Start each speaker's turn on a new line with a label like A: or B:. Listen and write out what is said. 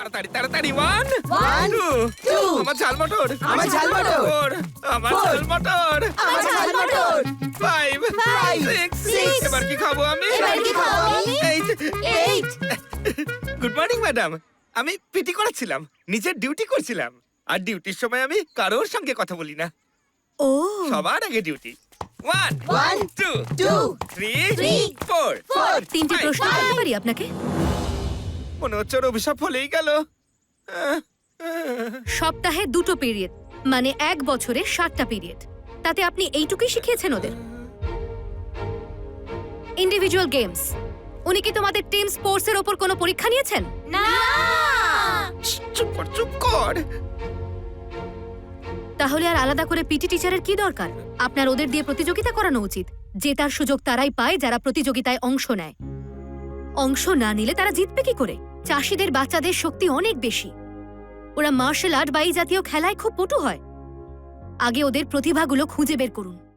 A: তাড়াতাড়ি তাড়াতাড়ি 1
B: One,
A: 2 আমার ঝাল মটর
B: আমার ঝাল মটর।
A: 4 আমার ঝাল মটর
B: আমার ঝাল মটর।
A: 5
B: Five,
A: 6
B: six,
A: এবার কি খাবো আমি
B: এবার কি খাবো আমি?
A: 8
B: 8
A: গুড মর্নিং ম্যাডাম আমি পিটি করাচ্ছিলাম নিজের ডিউটি করছিলাম আর ডিউটির সময় আমি কারোর সঙ্গে কথা বলি না
C: ও
A: সবার আগে duty 1
B: One,
A: 2
B: two,
A: 3
B: three,
A: 4
B: four,
C: তিনটে প্রশ্ন করতে পারি আপনাকে?
A: মনে হচ্ছে ওর অভিশাপ হলেই গেল
C: সপ্তাহে 2টো পিরিয়ড, মানে 1 বছরে 7টা পিরিয়ড। তাতে আপনি এইটুকুই শিখিয়েছেন ওদের? ইন্ডিভিজুয়াল গেমস, উনি কি তোমাদের টিম স্পোর্টস এর ওপর কোনো পরীক্ষা নিয়েছেন?
B: না
A: চুপ কর চুপ কর
C: তাহলে আর আলাদা করে পিটি টিচারের কি দরকার? আপনার ওদের দিয়ে প্রতিযোগিতা করানো উচিত। জেতার সুযোগ তারাই পায় যারা প্রতিযোগিতায় অংশ নেয়। অংশ না নিলে তারা জিতবে কি করে? চাষীদের বাচ্চাদের শক্তি অনেক বেশি, ওরা মার্শাল আর্ট বা এই জাতীয় খেলায় খুব পটু হয়। আগে ওদের প্রতিভাগুলো খুঁজে বের করুন।